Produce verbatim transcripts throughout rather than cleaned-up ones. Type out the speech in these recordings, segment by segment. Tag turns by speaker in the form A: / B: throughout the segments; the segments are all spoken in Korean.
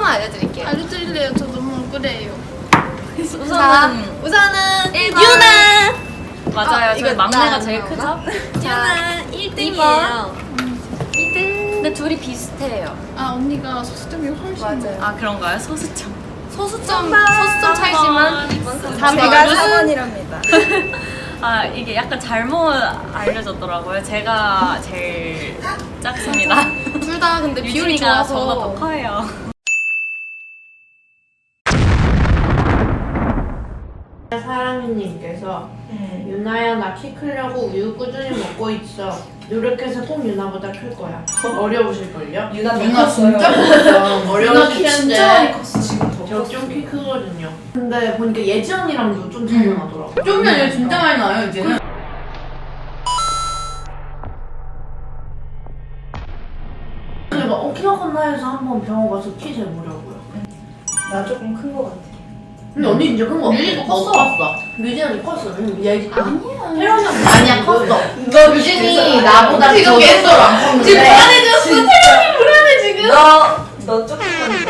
A: 번만 알려드릴게요.
B: 알려드릴래요. 저 너무 억울해요.
A: 우선은 우선은
C: 일 번.
A: 유나.
C: 맞아요.
A: 아,
C: 저희
A: 이거
C: 막내가
A: 나
C: 제일
A: 나오나?
C: 크죠?
A: 유나 일 등이에요. 이 등.
C: 근데 둘이 비슷해요.
B: 아 언니가 소수점이 훨씬
A: 맞아요.
C: 아 그런가요? 소수점.
A: 소수점 소수점 차이지만 이번
C: 제가
A: 사 번이랍니다.
C: 아 이게 약간 잘못 알려졌더라고요. 제가 제일 작습니다.
A: 둘 다 근데 비율이
C: 유진이가
A: 좋아서
C: 저보다 더 커요.
D: 사랑이님께서 유나야 나 키 크려고 우유 꾸준히 먹고 있어. 노력해서 꼭 유나보다 클 거야. 어려우실걸요?
E: 유나
D: 유나 진짜 커요. 어려운 키인데
E: 컸어 지금 더
D: 저 좀 키 크거든요. 근데 보니까 예지 언니랑도 좀 차이가 나더라고.
E: 좀이 아니라 진짜 많이 나요 이제는.
D: 그래서 어 키가 컸나 해서 한번 병원 가서 키 재보려고요.
E: 나 조금 큰 거 같아.
D: 근데 언니 진짜 큰 거 같아.
E: 유진이도 컸어.
D: 컸어. 유진 언니 컸어. 응, 예지
B: 아니야.
D: 혜련이 언니 아니야 컸어.
E: 너
D: 유진이 나보다
E: 지금
D: 더
E: 계속
D: 안 컸는데.
E: 지금 불안해졌어.
D: 태연이 불안해 지금.
E: 너너 조금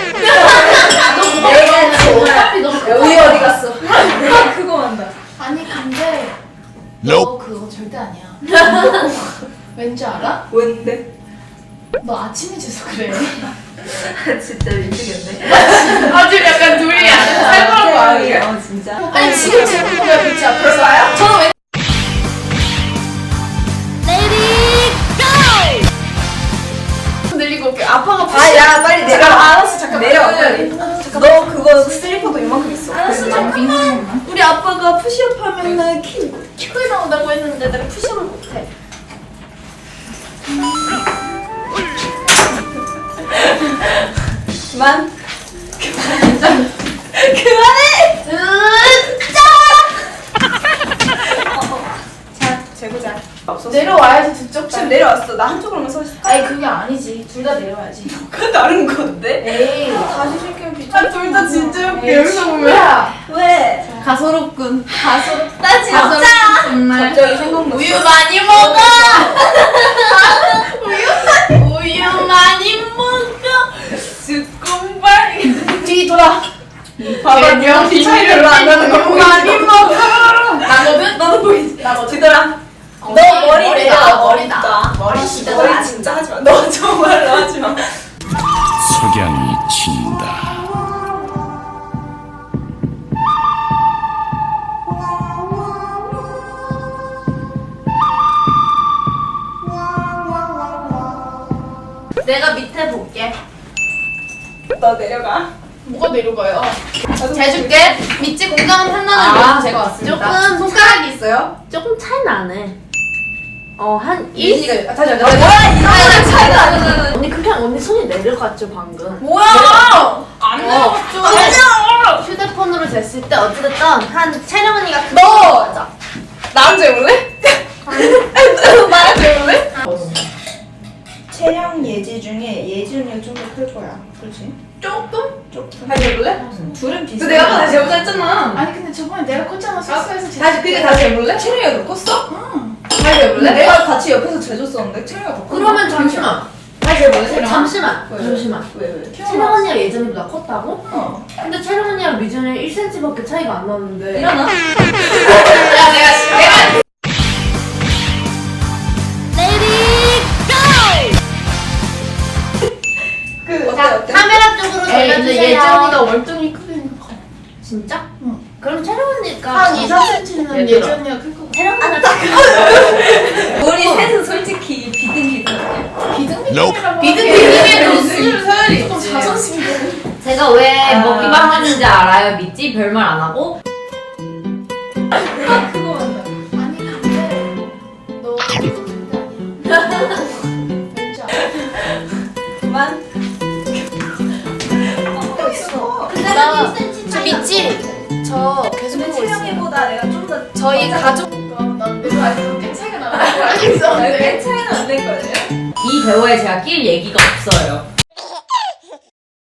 D: 내가 어차피 너무 큰
E: 우유 어디 갔어? 그거 한다.
B: 아니 근데 너
F: Nope.
B: 그거 절대 아니야. 왠지 알아?
E: 뭔데?
B: 너 아침에 재서 그래.
E: 진짜 미치겠네.
D: 아 지금 약간 둘이 약간 살벌한 거 아니야?
E: 어 진짜.
B: 아니 지금 재는 거야 그치 앞에서. 저는 왜? 늘리고 올게. 아빠가
E: 아야 빨리 내려. 알았어 잠깐 내려 빨리. 너 그거 슬리퍼도 이만큼 있어.
B: 알았어 잠깐. 우리 아빠가 푸시업 하면은 키, 키 크게 나온다고 했는데 내가 푸시업을 못해.
E: 그만.
B: 그만해!
E: 자 재보자. 없었어.
B: 내려와야지 두 쪽.
E: 지금 내려왔어. 나 한쪽으로만 서 있어.
B: 아니 그게 아니지. 둘 다 내려와야지.
E: 그 다른 건데?
B: 에이 다시 시키면 비춰.
E: 둘 다 진짜 웃겨.
B: 여기서 보면.
E: 왜?
B: 가소롭군. 가소롭다 진짜.
E: 정말. 갑자기 생각났어.
B: 우유 많이 먹어. 우유 우유 많이 먹어. 스콘발. 뒤 돌아.
E: 봐봐 명 차이를 별로 안 나는 거 보이지?
B: 많이 먹어. 나거든.
E: 너도 보이지?
B: 나거든.
E: 뒤돌아.
B: 너
E: 머리
B: 머리다.
E: 내가
B: 머리다.
E: 머리
B: 머리
E: 진짜
B: 진짜
E: 머리
B: 나
E: 진짜 하지 마. 너 정말로 하지 마.
F: 석양이 친다.
D: 내가 밑에 볼게.
E: 너 내려가.
B: 뭐가 내려가요?
A: 해줄게. 밑지 공감은 판단을
D: 아,
A: 위해서 제가 왔습니다.
D: 조금 손가락이 있어요? 조금 차이 나네. 어, 한 일?
E: 이가 다시 앉아.
D: 뭐야,
E: 이거는 차이가 안 나.
D: 언니 그냥 언니 손이 내려갔죠 방금.
E: 뭐야? 안
D: 어.
E: 내려갔죠.
D: 휴대폰으로 쟀을 때 어찌됐든 한 채령 언니가 그
E: 너!
D: 맞아.
E: 나랑 재울래? 나랑 재울래? 채령 예지 중에 예지 언니가 좀 더 클 거야. 그렇지?
B: 조금?
E: 조금. 다시 재볼래? 둘은 비슷해.
B: 내가 아까 다시
E: 재보자 했잖아.
B: 아니 근데 저번에 내가 컸잖아. 숙소에서 재.
E: 다시 그게 다시 재볼래? 채령이가 더 컸어?
B: 응.
E: 다시 재볼래? 내가 같이 옆에서 재줬었는데 채령이가 더 컸어.
D: 그러면 잠시만.
E: 다시 재볼래? 채령아?
D: 잠시만.
E: 왜?
D: 잠시만.
E: 왜 왜?
D: 채령 언니가 예전보다 컸다고?
E: 어.
D: 근데 채령 언니랑 미전에 일 센티미터밖에 차이가 안 나는데.
E: 일어나.
B: 야 내가 내가
E: 그 어때
D: 자,
E: 어때?
D: 카메라 쪽으로
B: 에이, 근데
D: 돌려주세요.
B: 예지 언니가 월등히 크게 커.
D: 진짜?
B: 응.
D: 그럼 채령 언니가
B: 한 이, 삼 센티미터는
D: 얘들아.
B: 예지 언니가 클 것 같아.
D: 채령 언니가 딱
E: 우리 셋은 솔직히 비등비등해.
B: 비등비등이라고.
D: 비등비등해도
B: 수준 서열이 조금 자존심이.
D: 제가 왜
E: 아.
D: 먹기만 하는지 알아요? 믿지? 별말 안 하고?
E: 그거 한다.
B: 아니 근데 너 그거 절대 아니야. 왠지 알아?
E: 그만.
B: 또 있어.
D: 근데
B: 나-
D: 한 일 센티미터
A: 저 밑지. 저 계속
E: 근데
A: 보고 있어요.
E: 채령이보다 내가 좀 더.
A: 저희 가족.
B: 난 내가 알고 꽤 차이가 나는 걸 알고 있었는데.
E: 꽤 차이는 안 될 거예요.
D: 이 대화에 제가 낄 얘기가 없어요.